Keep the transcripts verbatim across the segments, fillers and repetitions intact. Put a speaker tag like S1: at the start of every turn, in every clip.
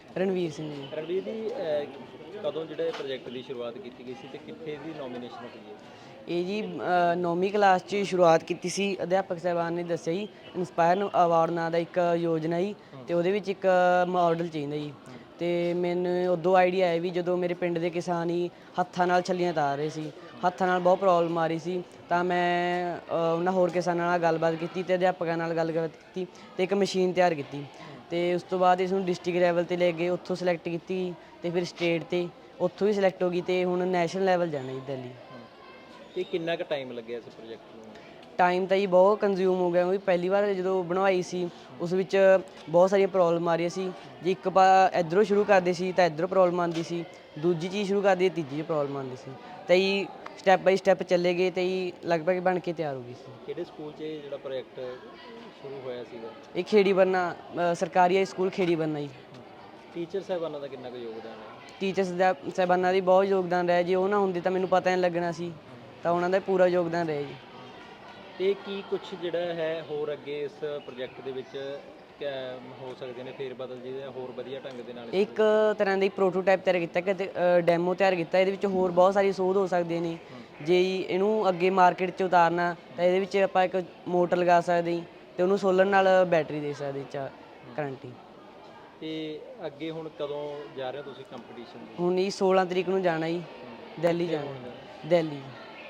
S1: ਰਣਵੀਰ ਸਿੰਘ ਜੀ।
S2: ਰਣਵੀਰ ਜੀ ਅਹ, ਕਦੋਂ ਜਿਹੜੇ ਪ੍ਰੋਜੈਕਟ ਦੀ ਸ਼ੁਰੂਆਤ ਕੀਤੀ ਗਈ ਸੀ ਤੇ ਕਿੱਥੇ ਦੀ ਨੋਮੀਨੇਸ਼ਨ ਹੋਈ ਹੈ?
S1: ਇਹ ਜੀ ਅ, ਨੌਵੀਂ ਕਲਾਸ 'ਚ ਸ਼ੁਰੂਆਤ ਕੀਤੀ ਸੀ। ਅਧਿਆਪਕ ਸਾਹਿਬਾਨ ਨੇ ਦੱਸਿਆ ਜੀ ਇੰਸਪਾਇਰ ਅਵਾਰਡ ਨਾਂ ਦਾ ਇੱਕ ਯੋਜਨਾ ਜੀ, ਅਤੇ ਉਹਦੇ ਵਿੱਚ ਇੱਕ ਮਾਡਲ ਚਾਹੀਦਾ ਜੀ। ਅਤੇ ਮੈਨੂੰ ਉਦੋਂ ਆਈਡੀਆ ਆਇਆ ਵੀ ਜਦੋਂ ਮੇਰੇ ਪਿੰਡ ਦੇ ਕਿਸਾਨ ਹੀ ਹੱਥਾਂ ਨਾਲ ਛੱਲੀਆਂ ਤਾਰ ਰਹੇ ਸੀ, ਹੱਥਾਂ ਨਾਲ ਬਹੁਤ ਪ੍ਰੋਬਲਮ ਆ ਰਹੀ ਸੀ, ਤਾਂ ਮੈਂ ਅ, ਉਹਨਾਂ ਹੋਰ ਕਿਸਾਨਾਂ ਨਾਲ ਗੱਲਬਾਤ ਕੀਤੀ ਅਤੇ ਅਧਿਆਪਕਾਂ ਨਾਲ ਗੱਲਬਾਤ ਕੀਤੀ ਅਤੇ ਇੱਕ ਮਸ਼ੀਨ ਤਿਆਰ ਕੀਤੀ। ਅਤੇ ਉਸ ਤੋਂ ਬਾਅਦ ਇਸ ਨੂੰ ਡਿਸਟ੍ਰਿਕਟ ਲੈਵਲ 'ਤੇ ਲੈ ਗਏ, ਉੱਥੋਂ ਸਿਲੈਕਟ ਕੀਤੀ ਅਤੇ ਫਿਰ ਸਟੇਟ 'ਤੇ, ਉੱਥੋਂ ਵੀ ਸਿਲੈਕਟ ਹੋ ਗਈ ਅਤੇ ਹੁਣ ਨੈਸ਼ਨਲ ਲੈਵਲ ਜਾਣਾ ਜੀ ਦਿੱਲੀ।
S2: ਤੇ ਕਿੰਨਾ ਕੁ ਟਾਈਮ ਲੱਗਿਆ ਇਸ ਪ੍ਰੋਜੈਕਟ ਨੂੰ?
S1: ਟਾਈਮ ਤਾਂ ਜੀ ਬਹੁਤ ਕੰਜ਼ਿਊਮ ਹੋ ਗਿਆ, ਕਿਉਂਕਿ ਪਹਿਲੀ ਵਾਰ ਜਦੋਂ ਬਣਵਾਈ ਸੀ ਉਸ ਵਿੱਚ ਬਹੁਤ ਸਾਰੀਆਂ ਪ੍ਰੋਬਲਮ ਆ ਰਹੀਆਂ ਸੀ। ਜੇ ਇੱਕ ਪਾ ਇੱਧਰੋਂ ਸ਼ੁਰੂ ਕਰਦੇ ਸੀ ਤਾਂ ਇੱਧਰੋਂ ਪ੍ਰੋਬਲਮ ਆਉਂਦੀ ਸੀ, ਦੂਜੀ ਚੀਜ਼ ਸ਼ੁਰੂ ਕਰਦੇ ਤੀਜੀ 'ਚ ਪ੍ਰੋਬਲਮ ਆਉਂਦੀ ਸੀ, ਤਾਂ ਜੀ ਸਟੈਪ ਬਾਈ ਸਟੈਪ ਚੱਲੇ ਗਏ ਅਤੇ ਜੀ ਲਗਭਗ ਬਣ ਕੇ ਤਿਆਰ ਹੋ ਗਈ ਸੀ।
S2: ਕਿਹੜੇ ਸਕੂਲ 'ਚ ਇਹ ਜਿਹੜਾ ਪ੍ਰੋਜੈਕਟ ਸ਼ੁਰੂ ਹੋਇਆ ਸੀਗਾ?
S1: ਇਹ ਖੇੜੀ ਬੰਨਾ ਅ, ਸਰਕਾਰੀ ਹਾਈ ਸਕੂਲ ਖੇੜੀ ਬੰਨਾ ਜੀ।
S2: ਟੀਚਰ ਸਾਹਿਬਾਨਾਂ ਦਾ ਕਿੰਨਾ ਕੁ ਯੋਗਦਾਨ ਹੈ?
S1: ਟੀਚਰਸ ਦਾ ਸਾਹਿਬਾਨਾਂ ਦੀ ਬਹੁਤ ਯੋਗਦਾਨ ਰਿਹਾ ਜੀ। ਉਹ ਨਾ ਹੁੰਦੇ ਤਾਂ ਮੈਨੂੰ ਪਤਾ ਨਹੀਂ ਲੱਗਣਾ ਸੀ, ਤਾਂ ਉਹਨਾਂ ਦਾ ਪੂਰਾ ਯੋਗਦਾਨ ਰਿਹਾ ਜੀ।
S2: ਤੇ ਕੀ ਕੁਝ ਜਿਹੜਾ ਹੈ ਹੋਰ ਅੱਗੇ ਇਸ ਪ੍ਰੋਜੈਕਟ ਦੇ ਵਿੱਚ ਕਿਆ ਹੋ ਸਕਦੇ ਨੇ ਫੇਰ ਬਦਲ ਜਿਹਦੇ ਹੋਰ ਵਧੀਆ ਢੰਗ ਦੇ ਨਾਲ?
S1: ਇੱਕ ਤਰ੍ਹਾਂ ਦਾ ਪ੍ਰੋਟੋਟਾਈਪ ਤਿਆਰ ਕੀਤਾ ਕਿ ਡੈਮੋ ਤਿਆਰ ਕੀਤਾ। ਇਹਦੇ ਵਿੱਚ ਹੋਰ ਬਹੁਤ ਸਾਰੀ ਸੋਧ ਹੋ ਸਕਦੀਆਂ ਨੇ। ਜੇ ਇਹਨੂੰ ਅੱਗੇ ਮਾਰਕੀਟ 'ਚ ਉਤਾਰਨਾ ਤਾਂ ਇਹਦੇ ਵਿੱਚ ਆਪਾਂ ਇੱਕ ਮੋਟਰ ਲਗਾ ਸਕਦੇ ਹਾਂ ਅਤੇ ਉਹਨੂੰ ਸੋਲਰ ਨਾਲ ਬੈਟਰੀ ਦੇ ਸਕਦੇ ਚਾ ਕਰੰਟ ਹੀ।
S2: ਤੇ ਅੱਗੇ ਹੁਣ ਕਦੋਂ ਜਾ ਰਹੇ ਹੋ ਤੁਸੀਂ ਕੰਪੀਟੀਸ਼ਨ ਦੇ?
S1: ਹੁਣ ਜੀ ਸੋਲਾਂ ਤਰੀਕ ਨੂੰ ਜਾਣਾ ਜੀ, ਦਿੱਲੀ ਜਾਣਾ, ਦਿੱਲੀ।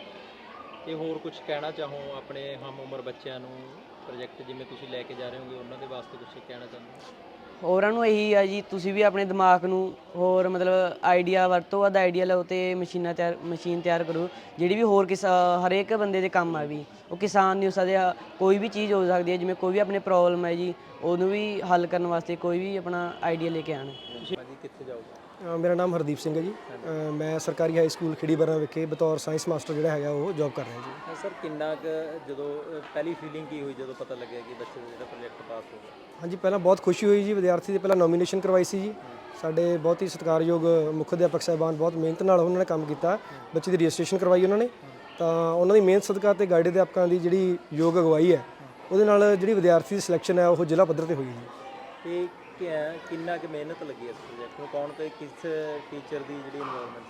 S2: ਤੇ ਹੋਰ ਕੁਝ ਕਹਿਣਾ ਚਾਹੋ ਆਪਣੇ ਹਮ ਉਮਰ ਬੱਚਿਆਂ ਨੂੰ, ਪ੍ਰੋਜੈਕਟ ਜਿਵੇਂ ਤੁਸੀਂ ਲੈ ਕੇ ਜਾ ਰਹੇ ਹੋਗੇ ਉਹਨਾਂ ਦੇ ਵਾਸਤੇ ਕੁਝ ਕਹਿਣਾ ਚਾਹੁੰਦੇ ਹੋ?
S1: ਹੋਰਾਂ ਨੂੰ ਇਹੀ ਆ ਜੀ, ਤੁਸੀਂ ਵੀ ਆਪਣੇ ਦਿਮਾਗ ਨੂੰ ਹੋਰ ਮਤਲਬ ਆਈਡੀਆ ਵਰਤੋਂ ਵੱਧ ਆਈਡੀਆ ਲਓ ਅਤੇ ਮਸ਼ੀਨਾਂ ਤਿਆਰ ਮਸ਼ੀਨ ਤਿਆਰ ਕਰੋ ਜਿਹੜੀ ਵੀ ਹੋਰ ਕਿਸਾ ਹਰੇਕ ਬੰਦੇ ਦੇ ਕੰਮ ਆ ਵੀ। ਉਹ ਕਿਸਾਨ ਨਹੀਂ ਹੋ ਸਕਦੇ, ਕੋਈ ਵੀ ਚੀਜ਼ ਹੋ ਸਕਦੀ ਹੈ, ਜਿਵੇਂ ਕੋਈ ਵੀ ਆਪਣੇ ਪ੍ਰੋਬਲਮ ਹੈ ਜੀ ਉਹਨੂੰ ਵੀ ਹੱਲ ਕਰਨ ਵਾਸਤੇ ਕੋਈ ਵੀ ਆਪਣਾ ਆਈਡੀਆ ਲੈ ਕੇ ਆਉਣ।
S2: ਹਾਂਜੀ, ਕਿੱਥੇ ਜਾਓਗੇ?
S3: ਅ, ਮੇਰਾ ਨਾਮ ਹਰਦੀਪ ਸਿੰਘ ਹੈ ਜੀ। ਅ, ਮੈਂ ਸਰਕਾਰੀ ਹਾਈ ਸਕੂਲ ਖੇੜੀ ਬਰਾਂ ਵਿਖੇ ਬਤੌਰ ਸਾਇੰਸ ਮਾਸਟਰ ਜਿਹੜਾ ਹੈਗਾ ਉਹ ਜੌਬ ਕਰ ਰਿਹਾ ਜੀ।
S2: ਸਰ ਕਿੰਨਾ ਕੁ ਜਦੋਂ ਅ, ਪਹਿਲੀ ਫੀਲਿੰਗ ਕੀ ਹੋਈ ਜਦੋਂ ਪਤਾ ਲੱਗਿਆ ਕਿ ਬੱਚੇ ਦਾ ਜਿਹੜਾ ਪ੍ਰੋਜੈਕਟ ਪਾਸ ਹੋ ਗਿਆ?
S3: ਹਾਂਜੀ, ਪਹਿਲਾਂ ਬਹੁਤ ਖੁਸ਼ੀ ਹੋਈ ਜੀ। ਵਿਦਿਆਰਥੀ ਦੀ ਪਹਿਲਾਂ ਨੋਮੀਨੇਸ਼ਨ ਕਰਵਾਈ ਸੀ ਜੀ। ਸਾਡੇ ਬਹੁਤ ਹੀ ਸਤਿਕਾਰਯੋਗ ਮੁੱਖ ਅਧਿਆਪਕ ਸਾਹਿਬਾਨ ਬਹੁਤ ਮਿਹਨਤ ਨਾਲ ਉਹਨਾਂ ਨੇ ਕੰਮ ਕੀਤਾ, ਬੱਚੇ ਦੀ ਰਜਿਸਟ੍ਰੇਸ਼ਨ ਕਰਵਾਈ ਉਹਨਾਂ ਨੇ। ਤਾਂ ਉਹਨਾਂ ਦੀ ਮਿਹਨਤ ਸਦਕਾ ਅਤੇ ਗਾਈਡ ਅਧਿਆਪਕਾਂ ਦੀ ਜਿਹੜੀ ਯੋਗ ਅਗਵਾਈ ਹੈ ਉਹਦੇ ਨਾਲ ਜਿਹੜੀ ਵਿਦਿਆਰਥੀ ਦੀ ਸਿਲੈਕਸ਼ਨ ਹੈ ਉਹ ਜ਼ਿਲ੍ਹਾ ਪੱਧਰ 'ਤੇ ਹੋਈ ਜੀ।
S2: ਤੇ ਕਿ- ਕਿੰਨਾ ਕੁ ਮਿਹਨਤ ਲੱਗੀ ਇਸ ਪ੍ਰੋਜੈਕਟ ਨੂੰ? ਕੌਣ ਤੇ ਕਿਸ ਟੀਚਰ ਦੀ ਜਿਹੜੀ ਇਨਵੋਲਵਮੈਂਟ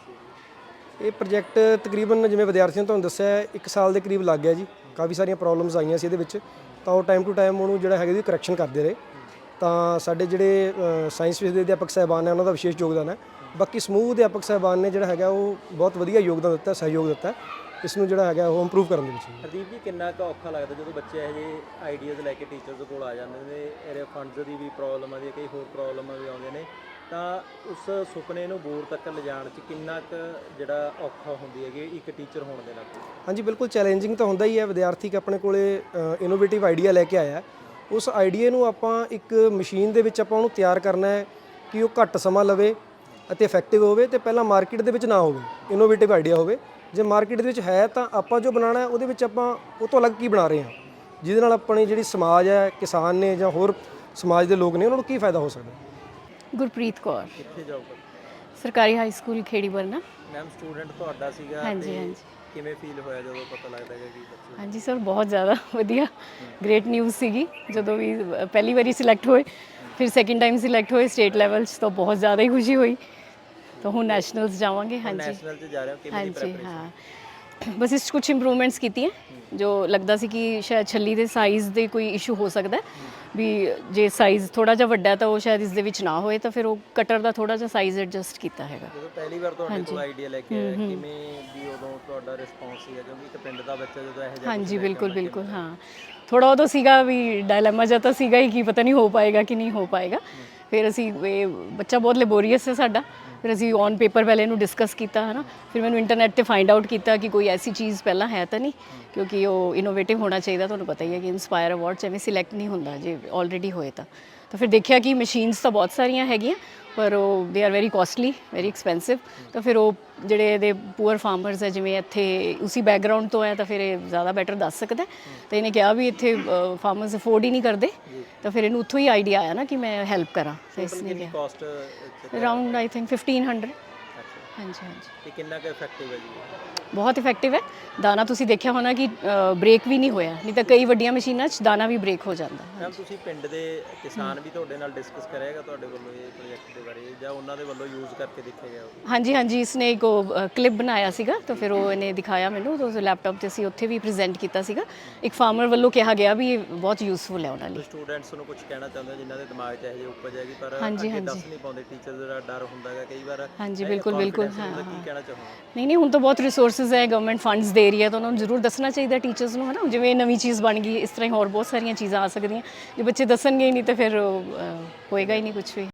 S2: ਸੀ?
S3: ਇਹ ਪ੍ਰੋਜੈਕਟ ਤਕਰੀਬਨ ਜਿਵੇਂ ਵਿਦਿਆਰਥੀਆਂ ਨੂੰ ਤੁਹਾਨੂੰ ਦੱਸਿਆ ਹੈ, ਇੱਕ ਸਾਲ ਦੇ ਕਰੀਬ ਲੱਗ ਗਿਆ ਜੀ। ਕਾਫੀ ਸਾਰੀਆਂ ਪ੍ਰੋਬਲਮਸ ਆਈਆਂ ਸੀ ਇਹਦੇ ਵਿੱਚ, ਤਾਂ ਉਹ ਟਾਈਮ ਟੂ ਟਾਈਮ ਉਹਨੂੰ ਜਿਹੜਾ ਹੈਗਾ ਜੀ ਕਰੈਕਸ਼ਨ ਕਰਦੇ ਰਹੇ। ਤਾਂ ਸਾਡੇ ਜਿਹੜੇ ਸਾਇੰਸ ਵਿਸ਼ੇ ਦੇ ਅਧਿਆਪਕ ਸਾਹਿਬਾਨ ਨੇ ਉਹਨਾਂ ਦਾ ਵਿਸ਼ੇਸ਼ ਯੋਗਦਾਨ ਹੈ। ਬਾਕੀ ਸਮੂਹ ਅਧਿਆਪਕ ਸਾਹਿਬਾਨ ਨੇ ਜਿਹੜਾ ਹੈਗਾ ਉਹ ਬਹੁਤ ਵਧੀਆ ਯੋਗਦਾਨ ਦਿੱਤਾ, ਸਹਿਯੋਗ ਦਿੱਤਾ ਇਸ ਨੂੰ ਜਿਹੜਾ ਹੈਗਾ ਉਹ ਇੰਪਰੂਵ ਕਰਨ ਦੇ ਵਿੱਚ।
S2: ਹਰਦੀਪ ਜੀ, ਕਿੰਨਾ ਕੁ ਔਖਾ ਲੱਗਦਾ ਜਦੋਂ ਬੱਚੇ ਇਹੋ ਜਿਹੇ ਆਈਡੀਆਜ਼ ਲੈ ਕੇ ਟੀਚਰਸ ਕੋਲ ਆ ਜਾਂਦੇ ਨੇ? ਇਹਦੇ ਫੰਡਸ ਦੀ ਵੀ ਪ੍ਰੋਬਲਮ ਆਉਂਦੀ ਹੈ, ਕਈ ਹੋਰ ਪ੍ਰੋਬਲਮਾਂ ਵੀ ਆਉਂਦੀਆਂ ਨੇ, ਤਾਂ ਉਸ ਸੁਪਨੇ ਨੂੰ ਬੋਰ ਤੱਕ ਲਿਜਾਣ 'ਚ ਕਿੰਨਾ ਕੁ ਜਿਹੜਾ ਔਖਾ ਹੁੰਦੀ ਹੈਗੀ ਇੱਕ ਟੀਚਰ ਹੋਣ ਦੇ ਨਾਤੇ?
S3: ਹਾਂਜੀ, ਬਿਲਕੁਲ ਚੈਲੰਜਿੰਗ ਤਾਂ ਹੁੰਦਾ ਹੀ ਹੈ। ਵਿਦਿਆਰਥੀ ਆਪਣੇ ਕੋਲੇ ਇਨੋਵੇਟਿਵ ਆਈਡੀਆ ਲੈ ਕੇ ਆਇਆ, ਉਸ ਆਈਡੀਆ ਨੂੰ ਆਪਾਂ ਇੱਕ ਮਸ਼ੀਨ ਦੇ ਵਿੱਚ ਆਪਾਂ ਉਹਨੂੰ ਤਿਆਰ ਕਰਨਾ ਹੈ ਕਿ ਉਹ ਘੱਟ ਸਮਾਂ ਲਵੇ ਅਤੇ ਇਫੈਕਟਿਵ ਹੋਵੇ ਅਤੇ ਪਹਿਲਾਂ ਮਾਰਕੀਟ ਦੇ ਵਿੱਚ ਨਾ ਹੋਵੇ, ਇਨੋਵੇਟਿਵ ਆਈਡੀਆ ਹੋਵੇ। ਜੇ ਮਾਰਕੀਟ ਦੇ ਵਿੱਚ ਹੈ ਤਾਂ ਆਪਾਂ ਜੋ ਬਣਾਉਣਾ ਹੈ ਉਹਦੇ ਵਿੱਚ ਆਪਾਂ ਉਹ ਤੋਂ ਅਲੱਗ ਕੀ ਬਣਾ ਰਹੇ ਹਾਂ, ਜਿਹਦੇ ਨਾਲ ਆਪਣੀ ਜਿਹੜੀ ਸਮਾਜ ਹੈ, ਕਿਸਾਨ ਨੇ ਜਾਂ ਹੋਰ ਸਮਾਜ ਦੇ ਲੋਕ ਨੇ ਉਹਨਾਂ ਨੂੰ ਕੀ ਫਾਇਦਾ ਹੋ ਸਕਦਾ।
S4: ਗੁਰਪ੍ਰੀਤ ਕੌਰ,
S2: ਕਿੱਥੇ ਜਾਊਗਾ?
S4: ਸਰਕਾਰੀ high school Kheri Barna.
S2: Ma'am, student ਤੁਹਾਡਾ ਸੀਗਾ,
S4: ਹਾਂਜੀ,
S2: ਤੇ
S4: ਹਾਂਜੀ।
S2: ਕਿਵੇਂ ਫੀਲ ਹੋਇਆ ਜਦੋਂ ਪਤਾ ਲੱਗਦਾ ਹੈ ਕਿ ਬੱਚੇ?
S4: ਹਾਂਜੀ ਸਰ, ਬਹੁਤ ਜ਼ਿਆਦਾ ਵਧੀਆ, ਗ੍ਰੇਟ ਨਿਊਜ਼ ਸੀਗੀ ਜਦੋਂ ਵੀ ਪਹਿਲੀ ਵਾਰੀ ਸਿਲੈਕਟ ਹੋਏ, ਫਿਰ ਸੈਕਿੰਡ ਟਾਈਮ ਸਿਲੈਕਟ ਹੋਏ ਸਟੇਟ ਲੈਵਲ 'ਚ, ਤਾਂ ਬਹੁਤ ਜ਼ਿਆਦਾ ਹੀ ਖੁਸ਼ੀ ਹੋਈ। ਤਾਂ ਹੁਣ ਨੈਸ਼ਨਲਸ ਜਾਵਾਂਗੇ। ਹਾਂਜੀ,
S2: ਨੈਸ਼ਨਲ 'ਚ ਜਾ ਰਹੇ ਹੋ, ਕਿਵੇਂ ਦੀ
S4: ਹਾਂਜੀ
S2: ਪ੍ਰੈਪਰੇਸ਼ਨ?
S4: ਹਾਂ, ਬਸ ਇਸ 'ਚ ਕੁਛ ਇੰਪਰੂਵਮੈਂਟਸ ਕੀਤੀਆਂ ਜੋ ਲੱਗਦਾ ਸੀ ਕਿ ਸ਼ਾਇਦ ਛੱਲੀ ਦੇ ਸਾਈਜ਼ ਦੇ ਕੋਈ ਇਸ਼ੂ ਹੋ ਸਕਦਾ ਵੀ, ਜੇ ਸਾਈਜ਼ ਥੋੜਾ ਜਿਹਾ ਵੱਡਾ ਤਾਂ ਉਹ ਸ਼ਾਇਦ ਇਸ ਦੇ ਵਿੱਚ ਨਾ ਹੋਏ, ਤਾਂ ਫਿਰ ਉਹ ਕਟਰ ਦਾ ਥੋੜਾ ਜਿਹਾ ਸਾਈਜ਼ ਐਡਜਸਟ ਕੀਤਾ ਹੈਗਾ।
S2: ਜਦੋਂ ਪਹਿਲੀ ਵਾਰ ਤੁਹਾਡੇ ਕੋਲ ਆਈਡੀਆ ਲੈ ਕੇ ਆਇਆ, ਕਿਵੇਂ ਵੀ ਉਦੋਂ ਤੁਹਾਡਾ ਰਿਸਪੌਂਸ ਸੀਗਾ? ਕਿਉਂਕਿ ਇੱਕ ਪਿੰਡ ਦਾ ਬੱਚਾ ਜਦੋਂ ਇਹੋ ਜਿਹਾ
S4: ਹਾਂਜੀ, ਬਿਲਕੁਲ ਬਿਲਕੁਲ ਹਾਂ, ਥੋੜਾ ਉਦੋਂ ਸੀਗਾ ਵੀ ਡਾਇਲੇਮਾ ਜਿਹਾ ਤਾਂ ਸੀਗਾ ਹੀ ਕਿ ਪਤਾ ਨਹੀਂ ਹੋ ਪਾਏਗਾ ਕਿ ਨਹੀਂ ਹੋ ਪਾਏਗਾ। ਫਿਰ ਅਸੀਂ ਇਹ ਬੱਚਾ ਬਹੁਤ ਲੈਬੋਰੀਅਸ ਹੈ ਸਾਡਾ, ਫਿਰ ਅਸੀਂ ਔਨ ਪੇਪਰ ਪਹਿਲੇ ਇਹਨੂੰ ਡਿਸਕਸ ਕੀਤਾ ਹੈ ਨਾ, ਫਿਰ ਮੈਨੂੰ ਇੰਟਰਨੈਟ 'ਤੇ ਫਾਈਂਡ ਆਊਟ ਕੀਤਾ ਕਿ ਕੋਈ ਐਸੀ ਚੀਜ਼ ਪਹਿਲਾਂ ਹੈ ਤਾਂ ਨਹੀਂ, ਕਿਉਂਕਿ ਉਹ ਇਨੋਵੇਟਿਵ ਹੋਣਾ ਚਾਹੀਦਾ। ਤੁਹਾਨੂੰ ਪਤਾ ਹੀ ਹੈ ਕਿ ਇੰਸਪਾਇਰ ਅਵਾਰਡ 'ਚ ਐਵੇਂ ਸਿਲੈਕਟ ਨਹੀਂ ਹੁੰਦਾ ਜੇ ਆਲਰੇਡੀ ਹੋਏ ਤਾਂ। ਤਾਂ ਫਿਰ ਦੇਖਿਆ ਕਿ ਮਸ਼ੀਨਸ ਤਾਂ ਬਹੁਤ ਸਾਰੀਆਂ ਹੈਗੀਆਂ ਪਰ ਉਹ they are very costly, very expensive. ਤਾਂ ਫਿਰ ਉਹ ਜਿਹੜੇ ਇਹਦੇ ਪੂਅਰ ਫਾਰਮਰਸ ਹੈ, ਜਿਵੇਂ ਇੱਥੇ ਉਸੀ ਬੈਕਗਰਾਊਂਡ ਤੋਂ ਹੈ, ਤਾਂ ਫਿਰ ਇਹ ਜ਼ਿਆਦਾ ਬੈਟਰ ਦੱਸ ਸਕਦਾ। ਤਾਂ ਇਹਨੇ ਕਿਹਾ ਵੀ ਇੱਥੇ ਫਾਰਮਰਸ ਅਫੋਰਡ ਹੀ ਨਹੀਂ ਕਰਦੇ, ਤਾਂ ਫਿਰ ਇਹਨੂੰ ਉੱਥੋਂ ਹੀ ਆਈਡੀਆ ਆਇਆ ਨਾ ਕਿ ਮੈਂ ਹੈਲਪ ਕਰਾਂ। ਤਾਂ ਇਸ ਨੇ ਕਿਹਾ
S2: cost
S4: around I think fifteen hundred. ਹਾਂਜੀ ਹਾਂਜੀ,
S2: ਤੇ ਕਿੰਨਾ ਕੁ ਇਫੈਕਟਿਵ ਹੈ ਜੀ?
S4: ਬਹੁਤ ਇਫੈਕਟਿਵ ਹੈ। ਦਾਣਾ ਤੁਸੀਂ ਦੇਖਿਆ ਹੋਣਾ ਕਿ ਬ੍ਰੇਕ ਵੀ ਨਹੀਂ ਹੋਇਆ, ਨਹੀਂ ਤਾਂ ਕਈ ਵੱਡੀਆਂ ਮਸ਼ੀਨਾਂ 'ਚ ਦਾਣਾ ਵੀ ਬ੍ਰੇਕ ਹੋ ਜਾਂਦਾ।
S2: ਮੈਮ, ਤੁਸੀਂ ਪਿੰਡ ਦੇ ਕਿਸਾਨ ਵੀ ਤੁਹਾਡੇ ਨਾਲ ਡਿਸਕਸ ਕਰਿਆਗਾ ਤੁਹਾਡੇ ਵੱਲੋਂ ਇਹ ਪ੍ਰੋਜੈਕਟ ਦੇ ਬਾਰੇ? ਜਾਂ ਉਹਨਾਂ ਦੇ ਵੱਲੋਂ ਯੂਜ਼ ਕਰਕੇ ਦੇਖਿਆ ਗਿਆ ਹੋਵੇ?
S4: ਹਾਂਜੀ ਹਾਂਜੀ ਇਸਨੇ ਇੱਕ ਉਹ ਕਲਿੱਪ ਬਣਾਇਆ ਸੀਗਾ ਤਾਂ ਫਿਰ ਉਹ ਇਹਨੇ ਦਿਖਾਇਆ ਮੈਨੂੰ ਤਾਂ ਉਸ ਲੈਪਟਾਪ ਤੇ ਅਸੀਂ ਉੱਥੇ ਵੀ ਪ੍ਰੈਜ਼ੈਂਟ ਕੀਤਾ ਸੀਗਾ। ਇੱਕ ਫਾਰਮਰ ਵੱਲੋਂ ਕਿਹਾ ਗਿਆ ਵੀ ਇਹ ਬਹੁਤ ਯੂਜ਼ਫੁਲ ਹੈ ਉਹਨਾਂ ਲਈ।
S2: ਸਟੂਡੈਂਟਸ ਨੂੰ ਕੁਝ ਕਹਿਣਾ ਚਾਹੁੰਦੇ ਹੋ ਜਿਨ੍ਹਾਂ ਦੇ ਦਿਮਾਗ 'ਚ ਇਹੋ ਜਿਹੀ ਉਪਜ ਹੈਗੀ ਪਰ
S4: ਹਾਂਜੀ,
S2: ਅੱਗੇ
S4: ਹਾਂਜੀ।
S2: ਦੱਸ ਨਹੀਂ ਪਾਉਂਦੇ, ਟੀਚਰ ਦਾ ਡਰ ਹੁੰਦਾ ਹੈਗਾ ਕਈ ਵਾਰ?
S4: ਹਾਂਜੀ,
S2: ਇਹ
S4: ਬਿਲਕੁਲ, ਬਿਲਕੁਲ,
S2: confidence
S4: ਹਾਂ,
S2: ਹੁੰਦਾ,
S4: ਹਾਂ।
S2: ਕੀ ਕਹਿਣਾ ਚਾਹੋਗੇ?
S4: ਨਹੀਂ ਨਹੀਂ ਹੁਣ ਤਾਂ ਬਹੁਤ ਰਿਸੋਰਸਿਸ ਹੈ, ਗਵਰਨਮੈਂਟ ਫੰਡਸ ਦੇ ਰਹੀ ਹੈ ਤਾਂ ਉਹਨਾਂ ਨੂੰ ਜ਼ਰੂਰ ਦੱਸਣਾ ਚਾਹੀਦਾ ਟੀਚਰਸ ਨੂੰ, ਹੈ ਨਾ। ਜਿਵੇਂ ਨਵੀਂ ਚੀਜ਼ ਬਣ ਗਈ ਇਸ ਤਰ੍ਹਾਂ ਹੀ ਹੋਰ ਬਹੁਤ ਸਾਰੀਆਂ ਚੀਜ਼ਾਂ ਆ ਸਕਦੀਆਂ, ਜੇ ਬੱਚੇ ਦੱਸਣਗੇ ਹੀ ਨਹੀਂ ਤਾਂ ਫਿਰ ਅ, ਹੋਏਗਾ ਹੀ ਨਹੀਂ ਕੁਝ ਵੀ।